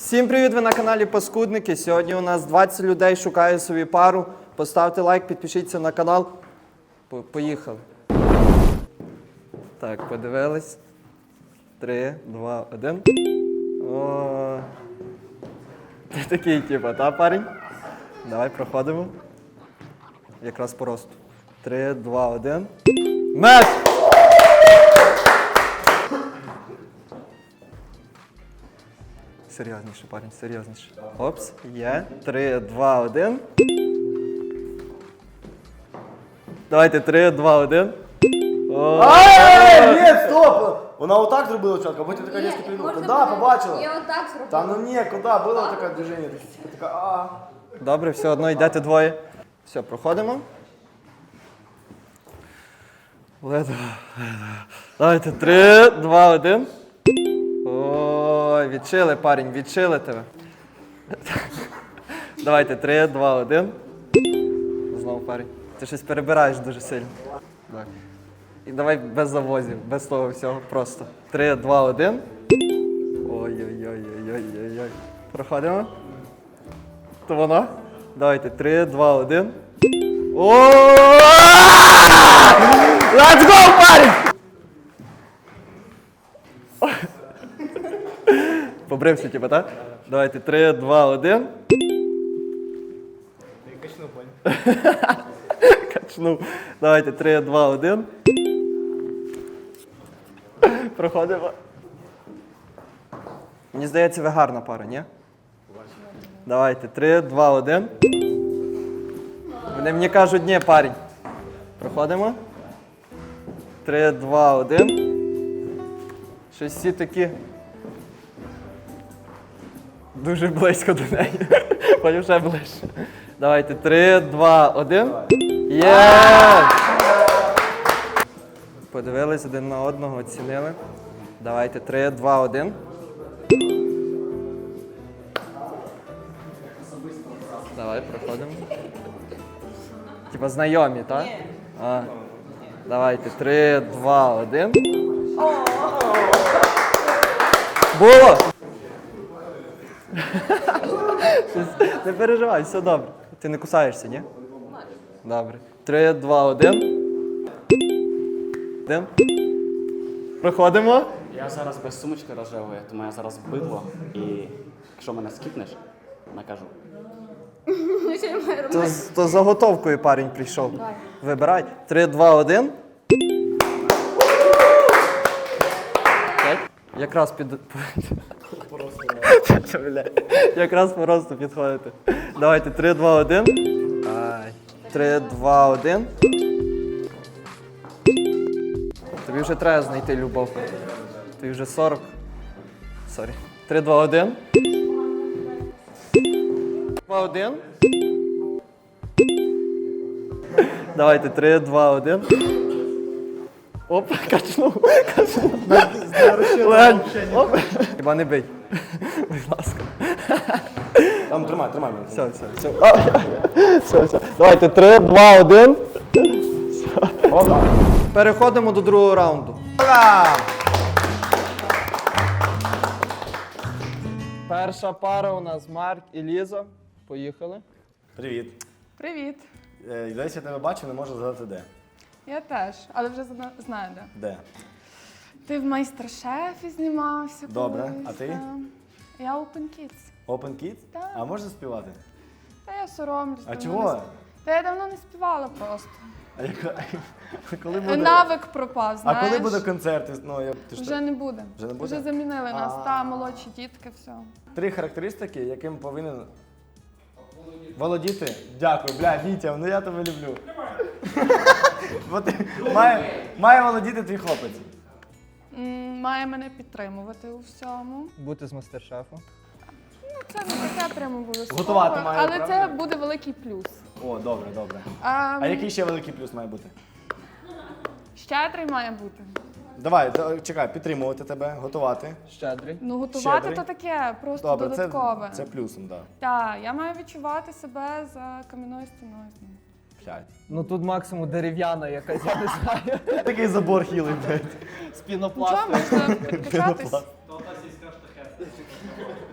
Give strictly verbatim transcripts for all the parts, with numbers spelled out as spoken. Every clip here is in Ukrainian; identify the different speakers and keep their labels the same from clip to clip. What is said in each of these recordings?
Speaker 1: Всім привіт, ви на каналі Паскудники. Сьогодні у нас двадцять людей шукає собі пару. Поставте лайк, підпишіться на канал. Поїхали. Так, подивились. Три, два, один. О, ти такий, типа, та, парень? Давай, проходимо. Якраз по росту. Три, два, один. Меч! Серйозніше, парень, серйозніше. Опс, є. Три, два, один. Давайте, три, два, один.
Speaker 2: Ай, ні, стоп! Вона отак зробила чітко, а потім така різко прийнула. Куди, побачила?
Speaker 3: Я отак зробила.
Speaker 2: Та ну ні, куди, було таке движення, така, така, а.
Speaker 1: Добре, все одно йдете двоє. Все, проходимо. Ледве. Давайте, три, два, один. Ой, відчили, парень, відчили тебе. Давайте, три, два, один. Знову, парень. Ти щось перебираєш дуже сильно. Так. І давай без завозів, без того всього, просто. Три, два, один. Ой-ой-ой-ой-ой-ой-ой. Проходимо. То воно. Давайте, три, два, один. О! Let's go, парень! Побрився, типа, так? Давайте, три, два, один.
Speaker 2: Качнув, понял.
Speaker 1: Качнув. Давайте, три, два, один. Проходимо. Мені здається, ви гарна пара, ні? Давайте, три, два, один. Вони мені кажуть, ні, парень. Проходимо. Три, два, один. Щось всі такі дуже близько до неї. Потім ще ближче. Давайте, три, два, один. Є! Подивились один на одного, оцінили. Давайте, три, два, один. Давай, проходимо. Типа знайомі, так? А. Давайте, три, два, один. Було! Не переживай, все добре. Ти не кусаєшся, ні? Добре. Три, два, один. Один. Проходимо.
Speaker 4: Я зараз без сумочки рожевої, тому я зараз бидло, і якщо мене скіпнеш, накажу.
Speaker 3: Що я маю
Speaker 1: То,
Speaker 3: робити?
Speaker 1: з- то з заготовкою парень прийшов. Вибирай. Три, два, один. Так. Якраз під... Бля. Якраз по росту підходите. Давайте, три, два, один. Ай. Три, два, один. Тобі вже треба знайти любов. Тобі вже сорок. Сорі. Три, два, один. Два, один. Давайте, три, два, один. Оп, качнув. Качнув. Легень. Оп. Хіба не бий. Будь ласка.
Speaker 2: Там, тримай, тримай мене.
Speaker 1: Все, все, все. А, все, все. Давайте, три, два, один.
Speaker 2: Опа.
Speaker 1: Переходимо до другого раунду. Перша пара у нас Марк і Ліза. Поїхали.
Speaker 2: Привіт.
Speaker 5: Привіт.
Speaker 2: Е, Десь я тебе бачу, не можу згадати де.
Speaker 5: Я теж, але вже зна- знаю де.
Speaker 2: Де?
Speaker 5: Ти в майстер-шефі знімався.
Speaker 2: Добре,
Speaker 5: колись,
Speaker 2: а ти?
Speaker 5: та. Я Open Kids.
Speaker 2: Open Kids?
Speaker 5: Так.
Speaker 2: А можеш співати?
Speaker 5: Та я соромлюсь.
Speaker 2: А
Speaker 5: давно
Speaker 2: чого?
Speaker 5: не сп- Та я давно не співала просто.
Speaker 2: А яка... коли буде...
Speaker 5: Навик пропав,
Speaker 2: А
Speaker 5: знаєш.
Speaker 2: коли буде концерт? Ну, я... Ти ж
Speaker 5: Вже
Speaker 2: так-
Speaker 5: не буде.
Speaker 2: Вже не буде?
Speaker 5: Вже замінили нас.
Speaker 2: А.
Speaker 5: Та, молодші дітки, все.
Speaker 2: Три характеристики, яким повинен володіти. Дякую, бля, Вітя, ну я тебе люблю. Бо ти- має, має володіти твій хлопець.
Speaker 5: М, Має мене підтримувати у всьому.
Speaker 1: Бути з мастер-шефу.
Speaker 5: Ну, це не таке прямо обов'язково.
Speaker 2: Готувати має,
Speaker 5: Але
Speaker 2: правда?
Speaker 5: це буде великий плюс.
Speaker 2: О, добре, добре.
Speaker 5: А,
Speaker 2: А який ще великий плюс має бути?
Speaker 5: Щедрий має бути.
Speaker 2: Давай, да- чекай, підтримувати тебе, готувати.
Speaker 1: Щедрий.
Speaker 5: Ну, готувати
Speaker 2: Щедрий.
Speaker 5: то таке, просто
Speaker 2: Добре, це,
Speaker 5: додаткове.
Speaker 2: це плюсом, так.
Speaker 5: Так, я маю відчувати себе за кам'яною стіною.
Speaker 2: П'ять.
Speaker 1: Ну тут максимум дерев'яна якась, я не знаю.
Speaker 2: Такий забор хілий, блядь.
Speaker 1: З
Speaker 5: Нічого,
Speaker 1: пінопласту.
Speaker 5: можна підкачатись.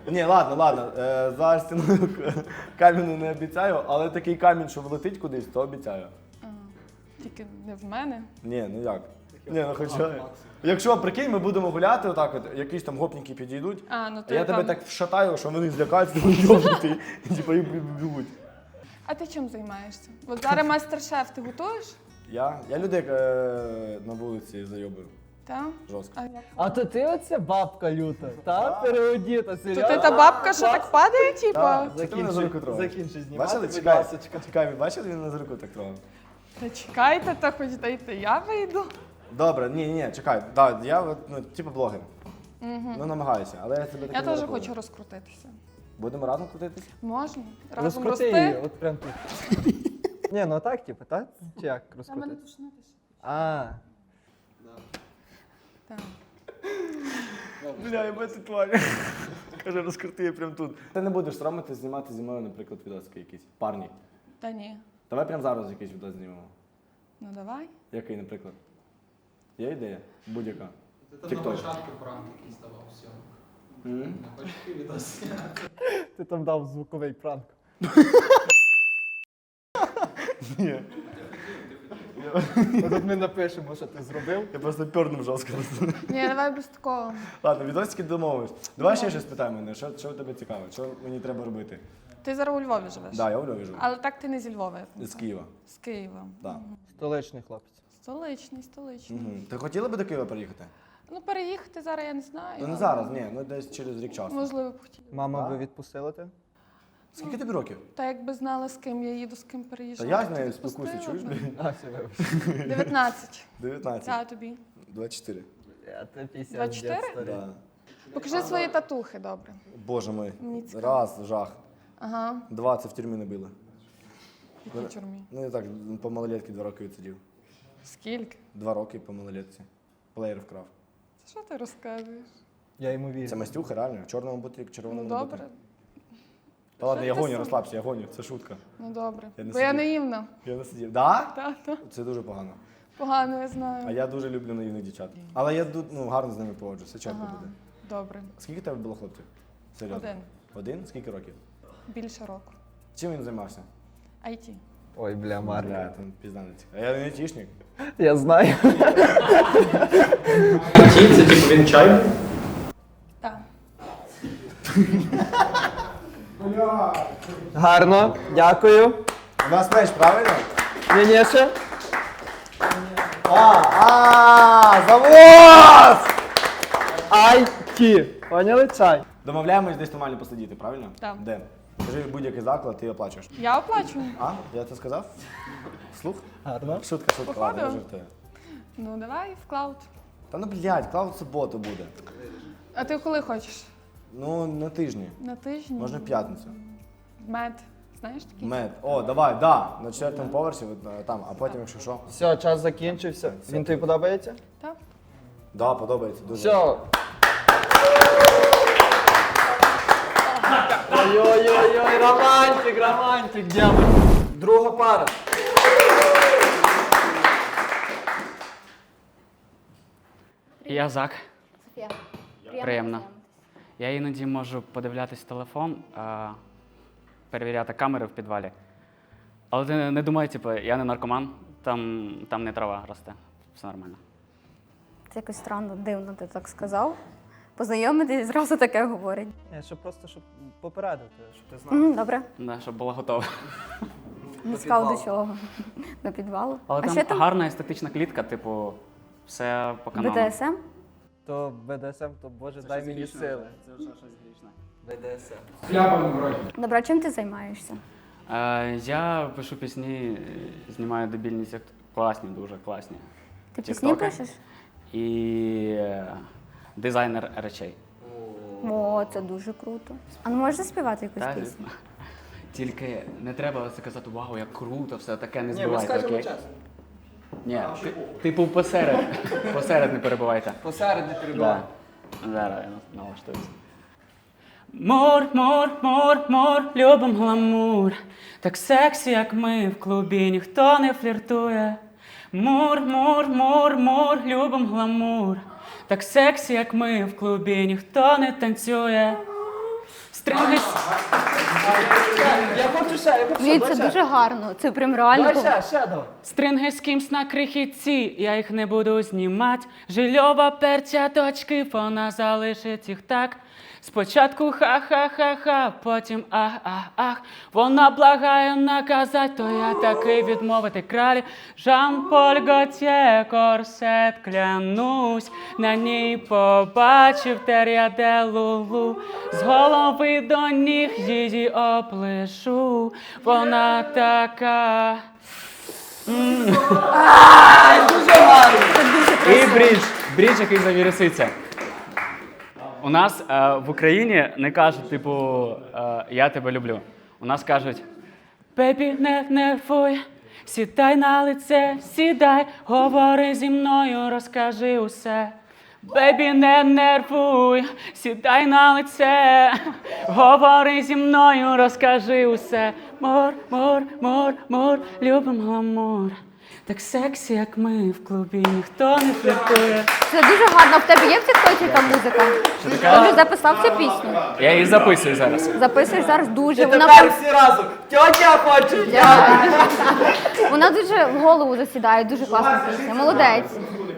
Speaker 2: Ні, ладно, ладно. Е, за стіною камінь не обіцяю, але такий камінь, що влетить кудись, то обіцяю.
Speaker 5: А, тільки не в мене.
Speaker 2: Ні, ну як? Ні, ну хоча. Якщо, прикинь, ми будемо гуляти отак, от, якісь там гопніки підійдуть,
Speaker 5: А, ну
Speaker 2: а
Speaker 5: то
Speaker 2: я
Speaker 5: я
Speaker 2: тебе
Speaker 5: там.
Speaker 2: так вшатаю, що вони злякаються, вони йобнути, і типу і бігуть.
Speaker 5: А ти чим займаєшся? От зараз мастер-шеф, ти готуєш?
Speaker 2: Я? Я людей е, на вулиці зайобую.
Speaker 5: Так?
Speaker 2: Жорстко.
Speaker 5: А як?
Speaker 1: А то ти оце бабка люта, та? Переодіта,
Speaker 5: То
Speaker 1: серйозно?
Speaker 5: ти та бабка, що так падає, типа?
Speaker 2: Так. Це ти мене за руку трогаєш.
Speaker 1: Закінчи знімати,
Speaker 2: Бачили?
Speaker 1: будь
Speaker 2: Чекай,
Speaker 1: ласочка.
Speaker 2: чекай, ви бачили, він на за руку так трогав?
Speaker 5: Та чекайте, та хоч дайте я вийду.
Speaker 2: Добре, ні, ні, чекай. Да, я от, ну, типу блогер. Ну, намагаюся, але я тебе так
Speaker 5: Я
Speaker 2: не
Speaker 5: теж
Speaker 2: рахую.
Speaker 5: хочу розкрутитися.
Speaker 2: Будемо разом крутитись?
Speaker 5: Можна? Разом
Speaker 1: Розкрути її,
Speaker 5: рости?
Speaker 1: от прям тут. Ні, ну так, типу, так? Чи як розкрутити?
Speaker 5: тушнитися.
Speaker 1: А,
Speaker 5: Так.
Speaker 2: Бля, я бачу тварь. Каже, розкрути її прямо тут. Ти не будеш соромити знімати зі мною, наприклад, відоски якісь. Парні.
Speaker 5: Та ні.
Speaker 2: Давай прямо зараз якийсь відос знімемо.
Speaker 5: Ну давай.
Speaker 2: Який, наприклад? Є ідея? Будь-яка.
Speaker 6: Ти
Speaker 2: Тік-ток.
Speaker 6: там на початку пранк якийсь давав, все.
Speaker 2: М?
Speaker 6: Не хочеш такий відос?
Speaker 1: ти там дав звуковий пранк.
Speaker 2: Ні.
Speaker 1: От ми напишемо, що ти зробив.
Speaker 2: Я просто пёрнув жорстко.
Speaker 5: Ні, давай без такого.
Speaker 2: Ладно, відосики домовились. Давай ще щось питай мене. Що, що тебе цікаво? Що мені треба робити?
Speaker 5: Ти зараз у Львові живеш.
Speaker 2: Да, я у Львові живу.
Speaker 5: Але так ти не зі Львова. я
Speaker 2: З
Speaker 5: пам'ятаю.
Speaker 2: Києва.
Speaker 5: З Києва.
Speaker 2: Да.
Speaker 1: Столичний хлопець.
Speaker 5: Столичний, столичний.
Speaker 2: Угу. Ти хотіла би до Києва приїхати?
Speaker 5: Ну переїхати зараз я не знаю.
Speaker 2: Ну не
Speaker 5: але
Speaker 2: зараз, ні, ну десь через рік часу.
Speaker 5: Можливо, б хотіла.
Speaker 1: Мама
Speaker 2: Так.
Speaker 1: би відпустила тебе?
Speaker 2: Скільки тобі років?
Speaker 5: Та якби знала, з ким я їду, з ким
Speaker 2: Та
Speaker 5: переїжджаю.
Speaker 2: я з
Speaker 5: то
Speaker 2: нею
Speaker 5: відпустила
Speaker 2: спілкуюся, чуєш,
Speaker 5: б.
Speaker 2: блін?
Speaker 1: А, все, вибач.
Speaker 5: дев'ятнадцять.
Speaker 2: дев'ятнадцять.
Speaker 5: Та тобі.
Speaker 2: двадцять чотири.
Speaker 1: Я тебе після
Speaker 5: двадцять чотири?
Speaker 2: Да.
Speaker 5: Покажи свої татухи, добре.
Speaker 2: Боже мой.
Speaker 5: Мені цікаво.
Speaker 2: Раз, жах.
Speaker 5: Ага.
Speaker 2: Два, це в тюрмі не били.
Speaker 5: В якій тюрмі?
Speaker 2: Ну не так, по малолетки два роки відсидів.
Speaker 5: Скільки?
Speaker 2: Два роки по малолетці. Плеєр вкрав.
Speaker 5: Це що ти розказуєш?
Speaker 1: Я йому вірю.
Speaker 2: Це мастюха, реально. В чорному бутрі, в
Speaker 5: Ну
Speaker 2: червоному
Speaker 5: добре.
Speaker 2: бутрі. Та ладно, я
Speaker 5: ти
Speaker 2: гоню,
Speaker 5: сам?
Speaker 2: розслабся, я гоню, це шутка.
Speaker 5: Ну добре.
Speaker 2: Я не
Speaker 5: Бо я
Speaker 2: сидів.
Speaker 5: наївна.
Speaker 2: Я не сидів. Да?
Speaker 5: Та, та.
Speaker 2: Це дуже погано.
Speaker 5: Погано, я
Speaker 2: А
Speaker 5: знаю.
Speaker 2: я дуже люблю наївних дівчат. Але я ду- ну, гарно з ними поводжуся, все чітко
Speaker 5: Ага.
Speaker 2: буде.
Speaker 5: Добре.
Speaker 2: Скільки тебе було хлопців? Серйозно?
Speaker 5: Один.
Speaker 2: Один? Скільки років?
Speaker 5: Більше року.
Speaker 2: Чим він займався?
Speaker 5: ай ті.
Speaker 1: Ой, бля, Марк.
Speaker 2: Бля, там пізда не цікаво. А я не айтішник.
Speaker 1: Я знаю.
Speaker 6: Ті, це типу він чай?
Speaker 5: Так.
Speaker 1: Гарно, дякую.
Speaker 2: У нас меч, правильно?
Speaker 1: Ні, ні, ще.
Speaker 2: А, а, завоз!
Speaker 1: Ай ті. Поняли чай?
Speaker 2: Домовляємось десь нормально посидіти, правильно?
Speaker 5: Так.
Speaker 2: Де? Скажи будь-який заклад, ти оплачуєш.
Speaker 5: Я оплачую.
Speaker 2: А? Я це сказав? Слух?
Speaker 1: Гарно.
Speaker 2: Шутка, шутка,
Speaker 5: Походу.
Speaker 2: ладно, я жартую.
Speaker 5: Ну давай в клауд.
Speaker 2: Та ну блядь, клауд в суботу буде.
Speaker 5: А ти коли хочеш?
Speaker 2: Ну, на тижні.
Speaker 5: На тижні?
Speaker 2: Можна в п'ятницю.
Speaker 5: Мед. Знаєш такий?
Speaker 2: Мед. О, давай, да. На четвертому поверсі, от, е, там, а потім, якщо що.
Speaker 1: Все, час закінчився. Він тобі подобається?
Speaker 5: Так.
Speaker 2: Да, подобається дуже.
Speaker 1: Все. Ой-ой-ой, романтик, романтик, дякую. Друга пара.
Speaker 4: Я Зак.
Speaker 3: Софія.
Speaker 4: Приємно. Я іноді можу подивлятись телефон, а, перевіряти камери в підвалі. Але ти не думай, типу, я не наркоман, там, там не трава росте. Все нормально.
Speaker 3: Це якось странно, дивно ти так сказав. Познайомитись зразу таке говорить.
Speaker 1: Ні, щоб просто щоб попередити, щоб ти знав.
Speaker 3: Мгм, добре,
Speaker 4: Да, щоб було готово.
Speaker 3: не сказав до чого. До підвалу.
Speaker 4: Але
Speaker 3: а
Speaker 4: там
Speaker 3: що там?
Speaker 4: гарна естетична клітка, типу, все по канону.
Speaker 3: бе де ес ем?
Speaker 1: То Б Д С М, то Боже, дай мені сили.
Speaker 4: Це вже щось грішне.
Speaker 1: Б Д С М.
Speaker 6: Хлябом вроді.
Speaker 3: Добре, а чим ти займаєшся?
Speaker 4: Е, я пишу пісні, е, знімаю дебільні сект... класні, дуже класні.
Speaker 3: Ти пісні
Speaker 4: Тіктоки.
Speaker 3: пишеш?
Speaker 4: І е, дизайнер речей.
Speaker 3: О, це дуже круто. А ну можеш заспівати якусь
Speaker 4: Та,
Speaker 3: пісню?
Speaker 4: звісно. Тільки не треба це казати, вау, як круто, все таке, не
Speaker 1: Ні, ми
Speaker 4: збивайте,
Speaker 1: скажемо
Speaker 4: окей?
Speaker 1: час.
Speaker 4: Ні, ти- типу посеред, посеред не перебувайте.
Speaker 1: Посеред не перебувай.
Speaker 4: Да. Зараз я налаштуюся. Мур, мур, мур, мур, любим гламур. Так сексі, як ми в клубі, ніхто не фліртує. Мур, мур, мур, мур, любим гламур. Так сексі, як ми в клубі, ніхто не танцює. Стринги. с-
Speaker 2: Я хочу ще, я хочу
Speaker 3: Ні, це дуже гарно. Це прям реально.
Speaker 2: Давай
Speaker 3: було.
Speaker 2: ще, ще давай.
Speaker 4: Стринги з кимсь на крихітці, я їх не буду знімати. Жильова перцяточки, вона залишить їх так. Спочатку ха-ха-ха-ха, потім ах-ах-ах. Вона благає наказать, то я таки відмовити кралі. Жан-Поль Готьє, корсет, клянусь. На ній побачив тер'яде лулу. З голови до ніг її оплешу. Вона така. І брідж, брідж, який завіруситься. У нас е, в Україні не кажуть, типу, е, я тебе люблю. У нас кажуть, бебі, не нервуй, сідай на лице, сідай, говори зі мною, розкажи усе. Бебі, не нервуй, сідай на лице, говори зі мною, розкажи усе. Мор, мор, мор, мор, любим гламур. Так сексі, як ми в клубі, ніхто не фліртує.
Speaker 3: Це дуже гарно. В тебе є в тіктоці така музика? Ти вже записав цю пісню?
Speaker 4: Я її записую зараз.
Speaker 3: Записуєш зараз дуже. Вона,
Speaker 2: Тепер
Speaker 3: прям-
Speaker 2: всі разом. Тьотя хоче.
Speaker 3: вона дуже в голову засідає, дуже класна пісня. Молодець.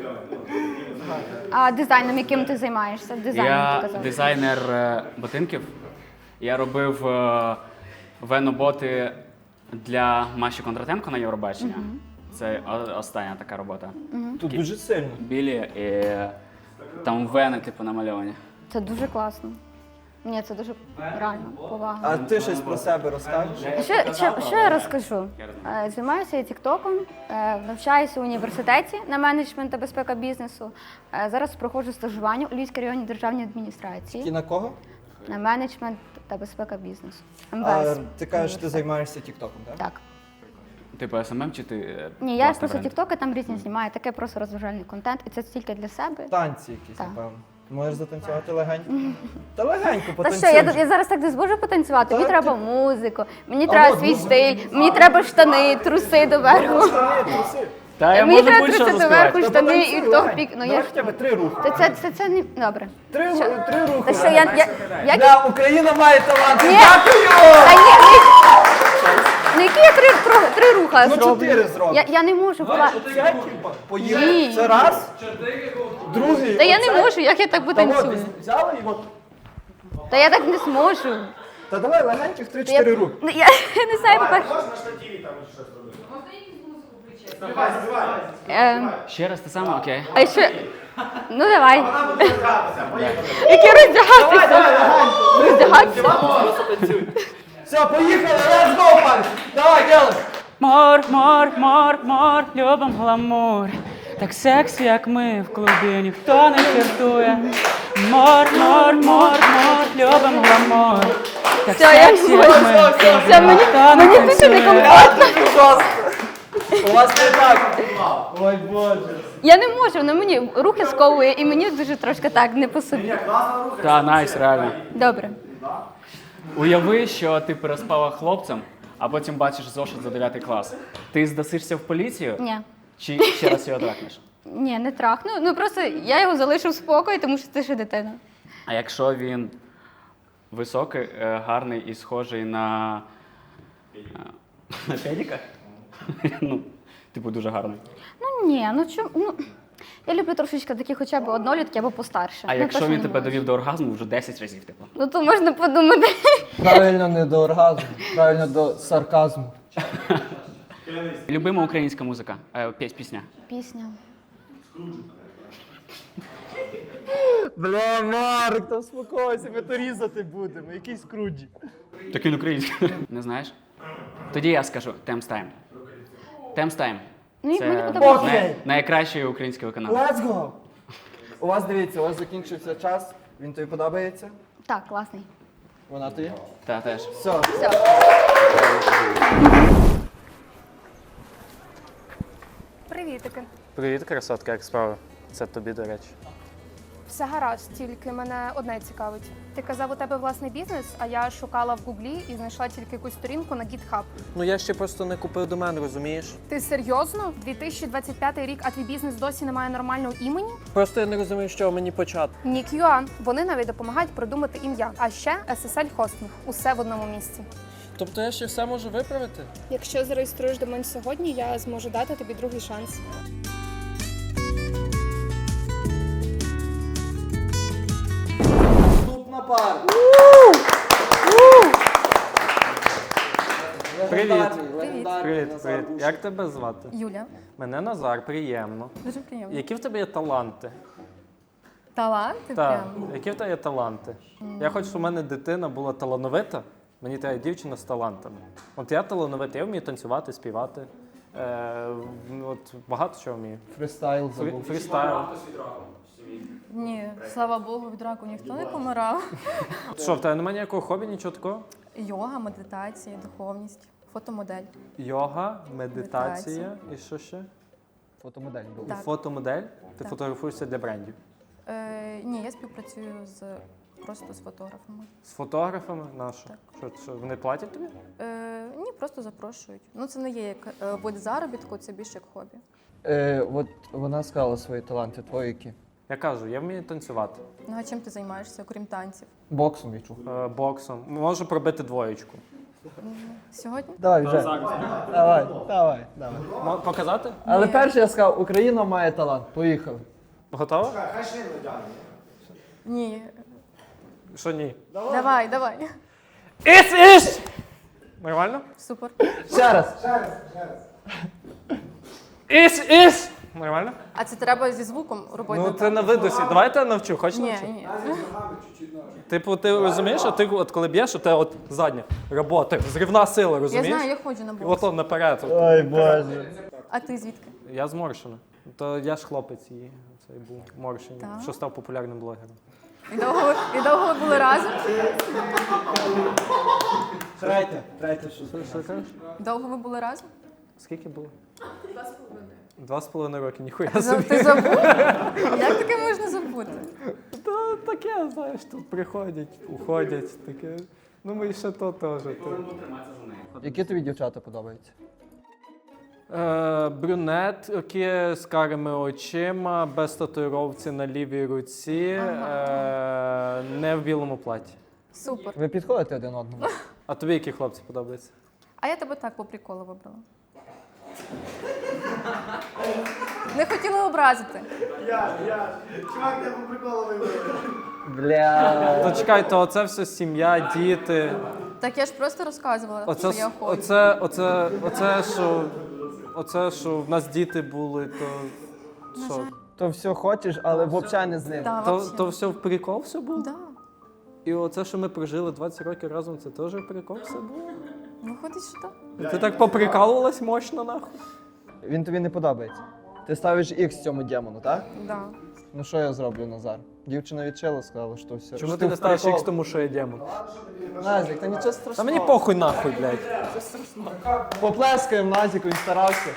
Speaker 3: А дизайном, яким ти займаєшся? Дизайном ти
Speaker 4: Я
Speaker 3: казав.
Speaker 4: дизайнер е, ботинків. Я робив е, веноботи для Маші Кондратенко на Євробачення. Це о- остання така робота.
Speaker 2: Тут дуже сильно.
Speaker 4: Білі і там вени, типу, намальовані.
Speaker 3: Це дуже класно. Ні, це дуже реально повага.
Speaker 2: А ти щось про себе розкажеш?
Speaker 3: Що, що, що я розкажу? Е, Займаюся я тіктоком, е, навчаюся в університеті на менеджмент та безпека бізнесу. Е, Зараз проходжу стажування у Львівській районній державній
Speaker 2: І
Speaker 3: адміністрації
Speaker 2: на кого?
Speaker 3: на менеджмент та безпека бізнесу.
Speaker 2: А,
Speaker 3: МВС.
Speaker 2: ти кажеш, ти займаєшся тіктоком, так?
Speaker 3: Так.
Speaker 4: Типу ес ем ем чи ти. е,
Speaker 3: Ні, я
Speaker 4: власний
Speaker 3: просто
Speaker 4: бренд?
Speaker 3: тіктоки там різні знімаю, таке просто розважальний контент, і це тільки для себе.
Speaker 2: Танці якісь,
Speaker 3: Так.
Speaker 2: напевно. Можеш затанцювати легенько? Та легенько
Speaker 3: Та
Speaker 2: потанцюй.
Speaker 3: що, я, я зараз так не зможу потанцювати. Мені
Speaker 2: Та
Speaker 3: треба
Speaker 2: ти-
Speaker 3: музику, мені
Speaker 2: А
Speaker 3: треба
Speaker 2: от
Speaker 3: свій
Speaker 2: музику.
Speaker 3: стиль, мені треба штани, труси доверху.
Speaker 2: Штани, труси.
Speaker 4: Та я
Speaker 3: Мені
Speaker 4: можу
Speaker 3: треба
Speaker 4: будь-що
Speaker 3: труси
Speaker 4: заспівати.
Speaker 3: доверху,
Speaker 2: Та
Speaker 3: штани
Speaker 2: потанцюй
Speaker 3: і топ
Speaker 2: легенько.
Speaker 3: пік. Ну
Speaker 2: Давай
Speaker 3: я ж
Speaker 2: хоча б три рухи.
Speaker 3: Це, це, це, це не добре.
Speaker 2: Три,
Speaker 3: Що?
Speaker 2: ру- три рухи.
Speaker 3: Та що я, я, як...
Speaker 2: Да, Україна має талант.
Speaker 3: Ні.
Speaker 2: Дякую!
Speaker 3: Та ні, ні. Ну які я три, три, три руха
Speaker 2: Ну,
Speaker 3: зроблю?
Speaker 2: чотири зроблю.
Speaker 3: Я, я не можу. Вкла...
Speaker 2: Це, типа, поїхали.
Speaker 3: Ні.
Speaker 2: Це раз. Другий.
Speaker 3: Та я
Speaker 2: оце.
Speaker 3: не можу, як я так
Speaker 2: Та от,
Speaker 3: потанцюю?
Speaker 2: взяли і от.
Speaker 3: Та я так не зможу.
Speaker 2: Та давай легеньких
Speaker 3: Я,
Speaker 2: три-чотири руки.
Speaker 3: ну, я, я не знаю, по-перше. Ем,
Speaker 4: Ще раз те саме, окей.
Speaker 3: а ще... Ну давай. Які роздягатися? Роздягатися?
Speaker 2: Все, поїхали, let's go, парень. Давай, делай.
Speaker 4: Мор, мор, мор, мор, любим гламур. Так сексі, як ми в клубі, ніхто не фліртує. Мор, мор, мор, мор, любим гламур. Так
Speaker 3: Все, я
Speaker 4: сексі, як ми в клубі,
Speaker 3: Все, мені,
Speaker 4: ніхто не
Speaker 3: мені дуже
Speaker 4: танцює.
Speaker 3: некомфортно.
Speaker 2: У вас не так. Ой, Боже.
Speaker 3: Я не можу, воно мені руки сковує і мені дуже трошки так не по собі.
Speaker 4: Та, найс, реально.
Speaker 3: Добре.
Speaker 4: Уяви, що ти переспала хлопцем, а потім бачиш зошит за дев'ятий клас. Ти здасишся в поліцію?
Speaker 3: Ні.
Speaker 4: Чи ще раз його трахнеш?
Speaker 3: Ні, не трахну. Ну просто я його залишу в спокої, тому що це ще дитина.
Speaker 4: А якщо він високий, е, гарний і схожий на. е, На педіка? Ну, типу, дуже гарний.
Speaker 3: Ну ні, ну чому. Ну, я люблю трошечки такі хоча б однолітки або постарше.
Speaker 4: А
Speaker 3: Ну,
Speaker 4: якщо
Speaker 3: точно
Speaker 4: він
Speaker 3: не
Speaker 4: тебе
Speaker 3: можу.
Speaker 4: довів до оргазму вже десять разів, типу.
Speaker 3: Ну то можна подумати.
Speaker 2: Правильно не до оргазму, правильно до сарказму.
Speaker 4: Любима українська музика, е, піс- пісня.
Speaker 3: Пісня.
Speaker 2: Бля, Марк, та успокойся, ми то різати будемо. Який скруджі.
Speaker 4: Так він український. Не знаєш? Тоді я скажу Темс Тайм. Темс Тайм.
Speaker 3: Ну, і мені
Speaker 4: Це
Speaker 3: подобається.
Speaker 4: най- найкращий український виконавець.
Speaker 2: Let's go! У вас, дивіться, у вас закінчився час. Він тобі подобається?
Speaker 3: Так, класний.
Speaker 2: Вона тобі?
Speaker 4: Та теж.
Speaker 2: Все.
Speaker 3: Все. Привітики.
Speaker 7: Привіт, красотка, як справи? Це тобі, до речі. Все гаразд, тільки мене одне цікавить. Ти казав, у тебе власний бізнес, а я шукала в Гуглі і знайшла тільки якусь сторінку на GitHub.
Speaker 1: Ну я ще просто не купив домен, розумієш?
Speaker 7: Ти серйозно? дві тисячі двадцять п'ятий рік, а твій бізнес досі не має нормального імені?
Speaker 1: Просто я не розумію, з чого мені почати.
Speaker 7: Нік.ua. Вони навіть допомагають придумати ім'я. А ще ес ес ель Hosting. Усе в одному місці.
Speaker 1: Тобто я ще все можу виправити?
Speaker 7: Якщо зареєструєш домен сьогодні, я зможу дати тобі другий шанс.
Speaker 1: Наступна пара.
Speaker 8: Привіт.
Speaker 3: Привіт.
Speaker 8: Привіт, привіт. Як тебе звати?
Speaker 3: Юля.
Speaker 8: Мене Назар, приємно.
Speaker 3: Дуже приємно.
Speaker 8: Які в тебе є таланти?
Speaker 3: Таланти
Speaker 8: Так,
Speaker 3: прям.
Speaker 8: які в тебе є таланти? Я хочу, щоб у мене дитина була талановита. Мені треба дівчина з талантами. От я талановитий, я вмію танцювати, співати. Е, от багато чого вмію.
Speaker 1: Фристайл
Speaker 8: Фрі-
Speaker 1: забув.
Speaker 8: Фрістайл.
Speaker 3: Ні, слава Богу, від раку ніхто не помирав.
Speaker 8: Що, в тебе немає ніякого хобі, нічого такого?
Speaker 3: Йога, медитація, духовність, фотомодель.
Speaker 8: Йога, медитація і що ще?
Speaker 1: Фотомодель був.
Speaker 8: І
Speaker 3: Так.
Speaker 8: фотомодель? Ти
Speaker 3: Так.
Speaker 8: фотографуєшся для брендів.
Speaker 3: Е, ні, я співпрацюю з просто з фотографами.
Speaker 8: З фотографами? На що?
Speaker 3: Так.
Speaker 8: Що, що, вони платять тобі?
Speaker 3: Е, ні, просто запрошують. Ну це не є як е, вид заробітку, це більше як хобі.
Speaker 1: Е, от вона сказала свої таланти, твої які?
Speaker 8: Я кажу, я вмію танцювати.
Speaker 3: Ну а чим ти займаєшся, окрім танців?
Speaker 1: Боксом відчув.
Speaker 8: Е, боксом. Можу пробити двоєчку.
Speaker 3: Сьогодні?
Speaker 1: Давай вже. Давай, давай, давай.
Speaker 8: Мо- Показати?
Speaker 1: Але
Speaker 3: Ні.
Speaker 1: перше я сказав, Україна має талант. Поїхали.
Speaker 8: Готова?
Speaker 3: Ні.
Speaker 8: Що ні?
Speaker 3: Давай, давай.
Speaker 8: Іс, іс! Нормально?
Speaker 3: Супер.
Speaker 1: Ще раз.
Speaker 8: Іс, іс! Нормально?
Speaker 3: А це треба зі звуком робити?
Speaker 8: Ну ти на видосі. Давайте я навчу, хочеш
Speaker 3: Ні,
Speaker 8: навчу?
Speaker 3: ні.
Speaker 8: Типу, ти розумієш, а ти от коли б'єш, у тебе от задня робота, зрівна сила,
Speaker 3: Я
Speaker 8: розумієш?
Speaker 3: знаю, я ходжу на
Speaker 8: І
Speaker 3: бокс.
Speaker 8: от он наперед. от.
Speaker 1: Ой, Боже.
Speaker 3: А ти звідки?
Speaker 8: Я з Моршина. То я ж хлопець її. Цей був Моршин,
Speaker 3: Так.
Speaker 8: що став популярним блогером.
Speaker 3: І довго, ви- і довго ви були разом?
Speaker 1: Третє. Третє, що
Speaker 8: Що, що кажеш?
Speaker 3: Довго ви були разом?
Speaker 8: Скільки було? Два з половиною. Два з половиною роки, ніхуя
Speaker 3: За-
Speaker 8: собі.
Speaker 3: Ти забув? Як таке можна забути?
Speaker 8: Та таке, знаєш, тут приходять, уходять, таке. Ну ми ще то теж. То.
Speaker 1: Які тобі дівчата подобаються?
Speaker 8: Е, брюнет, які з карими очима, без татуїровці на лівій руці, е, не в білому платі.
Speaker 3: Супер.
Speaker 1: Ви підходите один одному?
Speaker 8: А тобі які хлопці подобаються?
Speaker 3: А я тебе так по приколу вибрала. Не хотіла образити.
Speaker 1: Бля.
Speaker 8: То чекай, то оце все сім'я, діти.
Speaker 3: Так я ж просто розказувала,
Speaker 8: Оце,
Speaker 3: що я хочу.
Speaker 8: оце, оце, оце, що, оце, що в нас діти були, то що?
Speaker 1: То все хочеш, але взагалі не з ним.
Speaker 3: Да,
Speaker 8: То,
Speaker 3: вообще.
Speaker 8: то все в прикол все було?
Speaker 3: Да.
Speaker 8: І оце, що ми прожили двадцять років разом, це теж в прикол все було?
Speaker 3: Виходить, що так.
Speaker 8: Ти так поприкалувалась мощно, нахуй?
Speaker 1: Він тобі не подобається. Ти ставиш ікс цьому демону, так?
Speaker 3: Да.
Speaker 1: Ну що я зроблю, Назар? Дівчина відчила, сказала, що все.
Speaker 8: Чому
Speaker 1: що
Speaker 8: ти не
Speaker 1: в
Speaker 8: ставиш
Speaker 1: прикол.
Speaker 8: ікс тому, що я демон?
Speaker 1: Назік, та нічого страшного.
Speaker 8: Та мені похуй нахуй, блядь.
Speaker 1: Поплескаємо Назіку, він старався.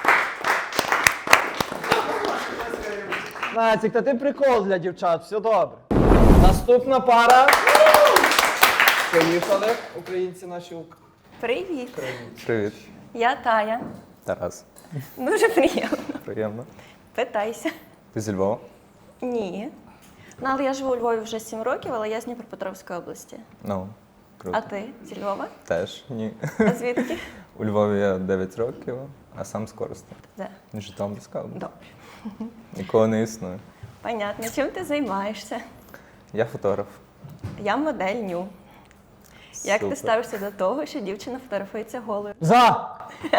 Speaker 1: Назік, та ти прикол для дівчат, все добре. Наступна пара. Поїхали, українці наші. ук-
Speaker 9: Привіт,
Speaker 10: Привіт,
Speaker 9: я Тая.
Speaker 10: Тарас.
Speaker 9: Дуже приємно.
Speaker 10: Приємно.
Speaker 9: Питайся.
Speaker 10: Ти зі Львова?
Speaker 9: Ні. Ну, але я живу у Львові вже сім років, але я з Дніпропетровської області.
Speaker 10: Ну, круто.
Speaker 9: А ти зі Львова?
Speaker 10: Теж ні.
Speaker 9: А звідки?
Speaker 10: У Львові я дев'ять років, а сам з Коростеня.
Speaker 9: Де?
Speaker 10: Житомирська область.
Speaker 9: Добре.
Speaker 10: Нікого не існує.
Speaker 9: Понятно. Чим ти займаєшся?
Speaker 10: Я фотограф.
Speaker 9: Я модель ню. Як
Speaker 10: Супер.
Speaker 9: ти ставишся до того, що дівчина фотографується голою?
Speaker 1: За!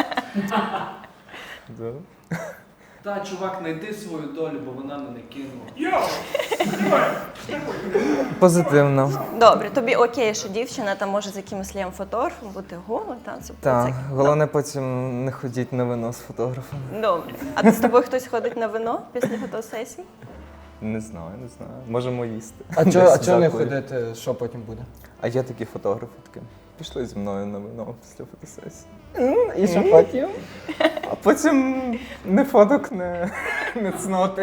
Speaker 10: Да.
Speaker 6: Та, чувак, знайди свою долю, бо вона мене кинула.
Speaker 10: Позитивно.
Speaker 9: Добре, тобі окей, що дівчина там може з якимось лієм фотографом бути гола, та це
Speaker 10: Так,
Speaker 9: це-
Speaker 10: головне потім не ходіть на вино з фотографом.
Speaker 9: Добре. А з тобою хтось ходить на вино після фотосесії?
Speaker 10: Не знаю, не знаю. Можемо їсти.
Speaker 1: А чого а
Speaker 10: Десь
Speaker 1: чо не
Speaker 10: закурі.
Speaker 1: ходити, що потім буде?
Speaker 10: А є такі фотографи такі. Пішли зі мною на вино після фотосесії.
Speaker 1: І що потім?
Speaker 10: А потім не фоток, не Не цноти.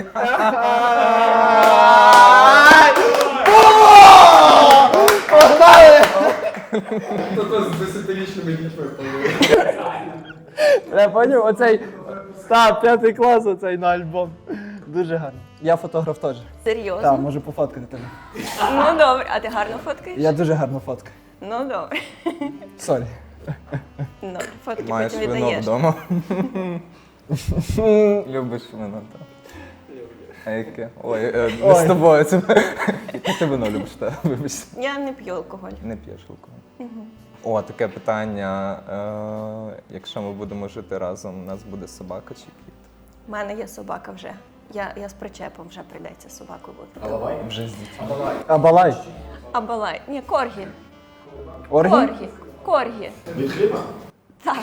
Speaker 6: Хто з десятирічними дітьми повинен.
Speaker 1: Я поняв, оцей став п'ятий клас, оцей на альбом. Дуже гарно. Я фотограф теж.
Speaker 9: Серйозно?
Speaker 1: Так, можу пофоткати тебе.
Speaker 9: Ну добре, а ти гарно фоткаєш?
Speaker 1: Я дуже гарно фоткаю.
Speaker 9: Ну добре.
Speaker 1: Сорі.
Speaker 9: Ну, фотки
Speaker 10: Маєш
Speaker 9: потім
Speaker 10: вино
Speaker 9: віддаєш.
Speaker 10: вдома. Любиш вино, так. А яке? Ой, е, не з тобою. Це... Яке ти вино любиш, так? Вибач.
Speaker 9: Я не п'ю алкоголь.
Speaker 10: Не п'єш алкоголь. О, таке питання. Е, якщо ми будемо жити разом, у нас буде собака чи кіт?
Speaker 9: У мене є собака вже. Я, я з причепом вже прийдеться собаку бути.
Speaker 10: Вже з дітьми.
Speaker 1: А балай?
Speaker 9: А балай? Ні, коргі.
Speaker 1: Оргі?
Speaker 9: Коргі. Коргі.
Speaker 2: Від хліба?
Speaker 9: Так.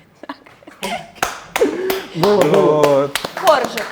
Speaker 1: Було, було.
Speaker 10: О,
Speaker 9: Коржик.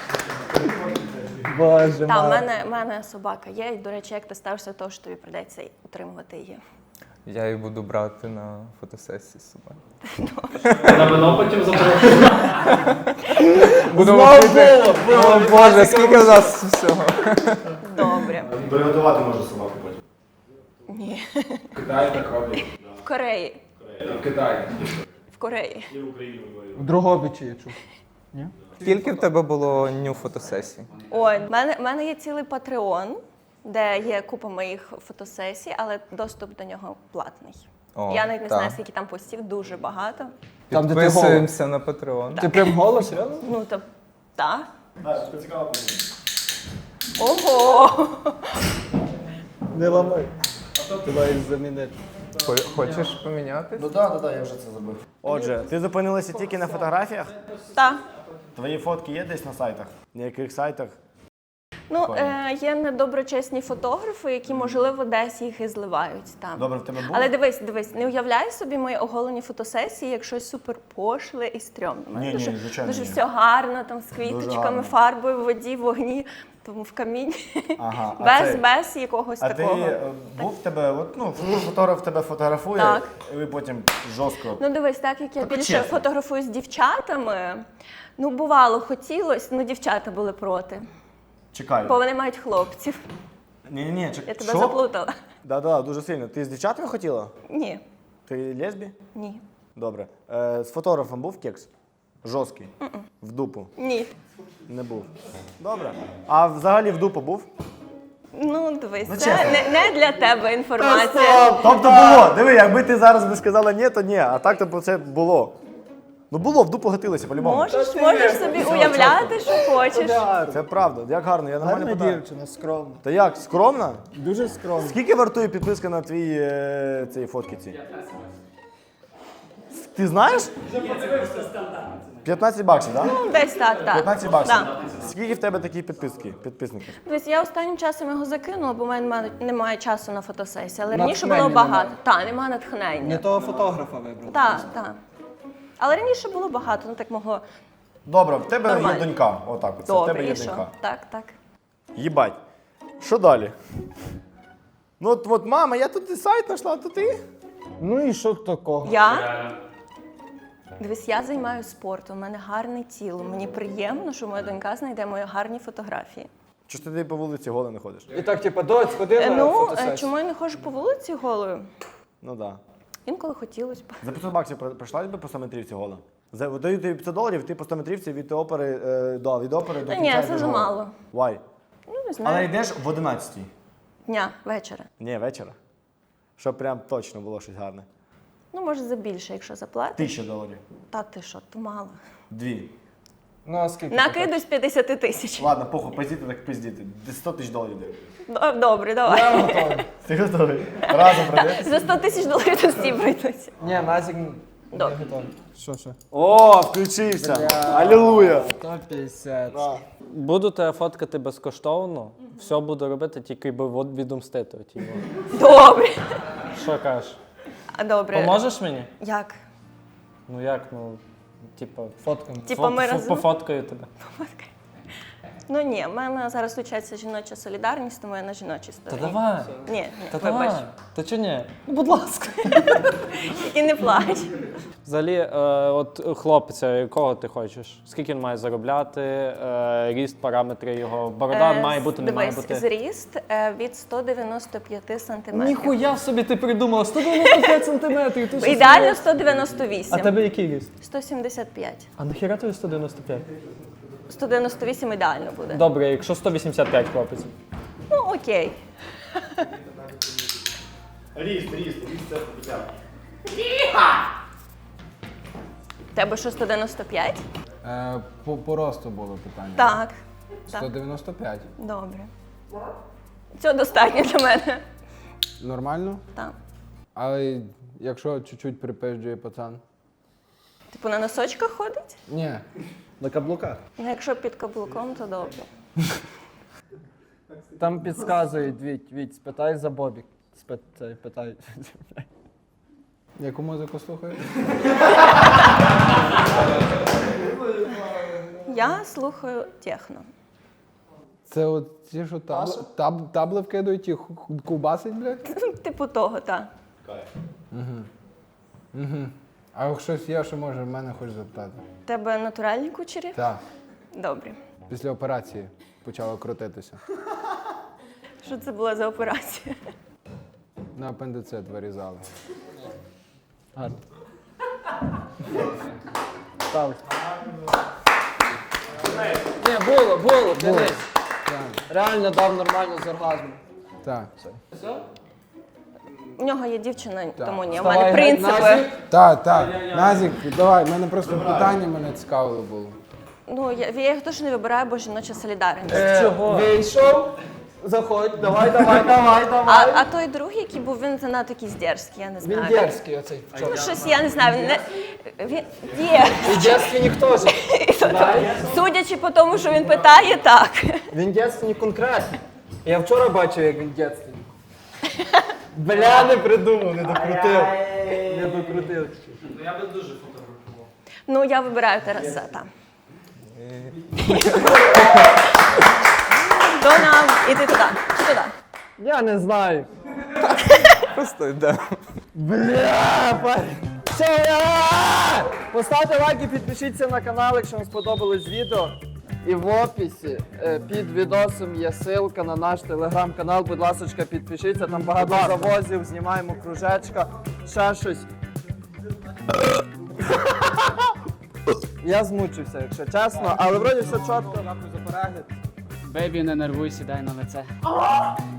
Speaker 1: Боже
Speaker 9: Так, в
Speaker 1: мой.
Speaker 9: мене, в мене собака є. І, до речі, як ти ставишся до того, що тобі прийдеться утримувати її?
Speaker 10: я її буду брати на фотосесії з собою.
Speaker 6: На вино потім запрошую.
Speaker 10: Будемо пити. О, Боже, скільки в нас всього.
Speaker 9: Добре.
Speaker 2: Приготувати можна собаку потім.
Speaker 9: Ні.
Speaker 6: В Китаї так роблять.
Speaker 9: В Кореї.
Speaker 6: В Китаї.
Speaker 9: В Кореї.
Speaker 1: В Дрогобичі я чув.
Speaker 10: Скільки в тебе було ню фотосесій?
Speaker 9: Ой, в мене, в мене є цілий Patreon, де є купа моїх фотосесій, але доступ до нього платний.
Speaker 10: О,
Speaker 9: Я навіть не
Speaker 10: так.
Speaker 9: знаю, скільки там постів, дуже багато.
Speaker 1: Там, де ти
Speaker 10: Підписуємося на Patreon.
Speaker 1: Ти прям голос, реально?
Speaker 9: Ну, то, так. Ого!
Speaker 1: Не ламай. Ти маєш замінити.
Speaker 10: Хо- Хочеш помінятись?
Speaker 2: Ну так, так, так, я вже це зробив. Отже, ти зупинилася тільки на фотографіях?
Speaker 9: Так.
Speaker 2: Твої фотки є десь на сайтах? На яких сайтах?
Speaker 9: Ну, е, є недоброчесні фотографи, які, можливо, десь їх і зливають там.
Speaker 2: Добре, в тебе був?
Speaker 9: Але дивись, дивись, не уявляй собі мої оголені фотосесії як щось супер пошле і стрьомне. У мене
Speaker 2: Ні, ні,
Speaker 9: дуже,
Speaker 2: звичайно,
Speaker 9: дуже
Speaker 2: ні.
Speaker 9: все гарно, там з
Speaker 2: гарно.
Speaker 9: квіточками, фарбою, в воді, в вогні, тому в камінь.
Speaker 2: Ага, а
Speaker 9: без,
Speaker 2: це-
Speaker 9: без якогось
Speaker 2: А ти
Speaker 9: такого.
Speaker 2: е, був в тебе, от, ну, фотограф тебе фотографує,
Speaker 9: Так.
Speaker 2: і ви потім жорстко.
Speaker 9: Ну дивись, так як я
Speaker 2: Так,
Speaker 9: більше
Speaker 2: чесно.
Speaker 9: фотографую з дівчатами, ну бувало, хотілося, ну дівчата були проти.
Speaker 2: Чекай.
Speaker 9: Бо вони мають хлопців.
Speaker 2: Ні, ні, ні, чекай.
Speaker 9: Я тебе заплутала.
Speaker 2: Так, так, дуже сильно. Ти з дівчатами хотіла?
Speaker 9: Ні,
Speaker 2: Ти лесбі?
Speaker 9: ні,
Speaker 2: Добре. Е, з фотографом був кекс? Жорсткий? В дупу?
Speaker 9: ні.
Speaker 2: Не був. Добре. А взагалі в дупу був?
Speaker 9: Ну, дивись,
Speaker 2: Ну,
Speaker 9: це
Speaker 2: чесно.
Speaker 9: не, не для тебе інформація.
Speaker 2: Тобто було. Диви, якби ти зараз би сказала ні, то ні. А так то це було. Ну було, в дупу гатилося, по-любому.
Speaker 9: Можеш, можеш собі уявляти, що хочеш.
Speaker 2: Це правда. Як гарно, я нормально
Speaker 1: Гарна
Speaker 2: питаю.
Speaker 1: дівчина, скромна.
Speaker 2: Та як, скромна?
Speaker 1: Дуже скромна.
Speaker 2: Скільки вартує підписка на твій е, цій фотки ці? Ти знаєш? п'ятнадцять баксів, так?
Speaker 9: Ну, десь так, так.
Speaker 2: п'ятнадцять баксів.
Speaker 9: Да.
Speaker 2: Скільки в тебе такі підписки, підписники?
Speaker 9: Дивись, я останнім часом його закинула, бо в мене нема- немає часу на фотосесії. Але раніше
Speaker 1: Натхнення
Speaker 9: було багато.
Speaker 1: немає.
Speaker 9: Так, немає
Speaker 1: Не
Speaker 9: натхнення.
Speaker 1: того фотографа вибрав.
Speaker 9: Так, так. Але раніше було багато, ну так могло.
Speaker 2: Добре, в тебе
Speaker 9: Нормально.
Speaker 2: є донька. Отак, от. Це в
Speaker 9: Добре,
Speaker 2: тебе є
Speaker 9: і що?
Speaker 2: донька.
Speaker 9: Так, так.
Speaker 2: Їбать. Що далі? Ну от, от мама, я тут і сайт знайшла, а то ти?
Speaker 1: Ну і що такого?
Speaker 9: Я? Дивись, я займаюся спортом, у мене гарне тіло. Мені приємно, що моя донька знайде мої гарні фотографії.
Speaker 2: Чи ж ти по вулиці голий не ходиш?
Speaker 1: І так, типу, доць, ходи
Speaker 9: Е,
Speaker 1: на
Speaker 9: Ну, е,
Speaker 1: фотосесію.
Speaker 9: чому я не ходжу по вулиці голою?
Speaker 2: Ну так. Да.
Speaker 9: Інколи хотілося б.
Speaker 2: За п'ятсот баксів при- прийшла би по сто метрівці гола? За, даю тобі п'ятсот доларів, ти по сто метрівці від опери, е, да, від опери до
Speaker 9: Та
Speaker 2: кінця.
Speaker 9: ні,
Speaker 2: йдеш
Speaker 9: це
Speaker 2: гола.
Speaker 9: замало.
Speaker 2: Why?
Speaker 9: Ну, не
Speaker 2: Але
Speaker 9: знаю.
Speaker 2: йдеш в одинадцятій.
Speaker 9: Дня, вечора.
Speaker 2: Ні, вечора. Щоб прям точно було щось гарне.
Speaker 9: Ну, може, за більше, якщо заплатиш.
Speaker 2: Тисяча доларів.
Speaker 9: Та ти що, то мало.
Speaker 2: Дві.
Speaker 1: Ну, а скільки?
Speaker 9: Накиду з п'ятдесят тисяч.
Speaker 2: Ладно, похуй, пиздіти, так пиздіти. Десь сто тисяч доларів дай.
Speaker 9: Д- Добре, давай.
Speaker 2: Ти готовий? Разом пройдеш?
Speaker 9: За сто тисяч доларів то всі прийдуться.
Speaker 1: Ні, Назік не
Speaker 9: Добре.
Speaker 1: готовий. Що, що?
Speaker 2: О, включився! Алілуя!
Speaker 1: сто п'ятдесят.
Speaker 8: Буду тебе фоткати безкоштовно, все буду робити, тільки би от відомстити. типу.
Speaker 9: Добре.
Speaker 8: Що кажеш?
Speaker 9: А добре.
Speaker 8: Поможеш мені?
Speaker 9: Як?
Speaker 8: Ну як, ну, типу,
Speaker 1: Фоткам.
Speaker 9: Типа ми
Speaker 8: фо-
Speaker 9: разом.
Speaker 8: пофоткаю тебе.
Speaker 9: Ну ні, в мене зараз включається жіноча солідарність, тому я на жіночій
Speaker 8: Та
Speaker 9: стороні.
Speaker 8: давай.
Speaker 9: Ні, ні,
Speaker 8: Та
Speaker 9: вибач.
Speaker 8: давай. Та чи ні? Ну, будь ласка.
Speaker 9: І не плач.
Speaker 8: Взагалі, е, от хлопця, якого ти хочеш? Скільки він має заробляти? Е, ріст, параметри його. Борода
Speaker 9: Е,
Speaker 8: має бути, не має
Speaker 9: дивись,
Speaker 8: бути.
Speaker 9: зріст е, від сто дев'яносто п'ять сантиметрів.
Speaker 8: Ніхуя собі ти придумала, сто дев'яносто п'ять сантиметрів. Ти що
Speaker 9: Ідеально
Speaker 8: смієш?
Speaker 9: сто дев'яносто вісім.
Speaker 8: А тебе який ріст?
Speaker 9: сто сімдесят п'ять.
Speaker 8: А нахіра тобі сто дев'яносто п'ять?
Speaker 9: сто дев'яносто вісім ідеально буде.
Speaker 8: Добре, якщо сто вісімдесят п'ять хлопець.
Speaker 9: Ну, окей. Тебе що, сто дев'яносто п'ять?
Speaker 2: Е, по, по росту було питання.
Speaker 9: Так.
Speaker 2: сто
Speaker 9: Так.
Speaker 2: дев'яносто п'ять.
Speaker 9: Добре. Цього достатньо для мене.
Speaker 2: Нормально?
Speaker 9: Так.
Speaker 2: Але якщо чуть-чуть припизджує пацан?
Speaker 9: Типу на носочках ходить?
Speaker 2: Ні.
Speaker 1: На каблуках.
Speaker 9: Ну, якщо під каблуком, то добре.
Speaker 1: Там підказують, Віть, Віть, спитай за Бобік. Спи, цей, питай.
Speaker 2: Яку музику слухаєш?
Speaker 9: Я слухаю техно.
Speaker 2: Це от ті, що табли, таб, табли вкидують і ху- ху- ковбасить, блядь?
Speaker 9: Типу того, так.
Speaker 2: Угу. А як щось є, що може в мене хочеш запитати?
Speaker 9: Тебе натуральні кучері?
Speaker 2: Так.
Speaker 9: Добре.
Speaker 2: Після операції почало крутитися.
Speaker 9: Що це була за операція?
Speaker 2: На апендицит вирізали.
Speaker 1: Гарно. Став. Ні, було, було, дивись.
Speaker 2: Так.
Speaker 1: Реально дав нормально з оргазмом.
Speaker 2: Так.
Speaker 9: У нього є дівчина, тому ні. У
Speaker 1: Вставай,
Speaker 9: мене принципи.
Speaker 1: Назік.
Speaker 2: Так, так. Назік, давай, в мене просто питання мене цікавило було.
Speaker 9: Ну, я, я їх теж не вибираю, бо жіноча солідарність.
Speaker 1: Чого? Вийшов. Заходь, давай, давай, давай,
Speaker 9: А,
Speaker 1: давай.
Speaker 9: а той другий, який був, він занадто якийсь дерзкий, я не знаю.
Speaker 1: Він дерзкий оцей.
Speaker 9: Ну, щось, я не знаю, він не... Він є.
Speaker 1: І дерзкий теж.
Speaker 9: Судячи по тому, що він питає, так.
Speaker 1: Він дерзкий конкретно. Я вчора бачив, як він дерзкий. Бля, не придумав, не докрутив. Не докрутив.
Speaker 6: Ну я би дуже фотографував.
Speaker 9: Ну, я вибираю Тараса, так. То нам іди туди, чи туди.
Speaker 1: Я не знаю.
Speaker 10: Просто йде.
Speaker 1: Бля, парень. Все, я! Поставте лайк і підпишіться на канал, якщо вам сподобалось відео. І в описі е, під відосом є ссылка на наш телеграм-канал. Будь ласка, підпишіться, там багато завозів, знімаємо кружечка, ще щось. Я змучився, якщо чесно, але вроді все чітко, нахуй за перегляд.
Speaker 4: Бейбі, не нервуй, сідай на лице.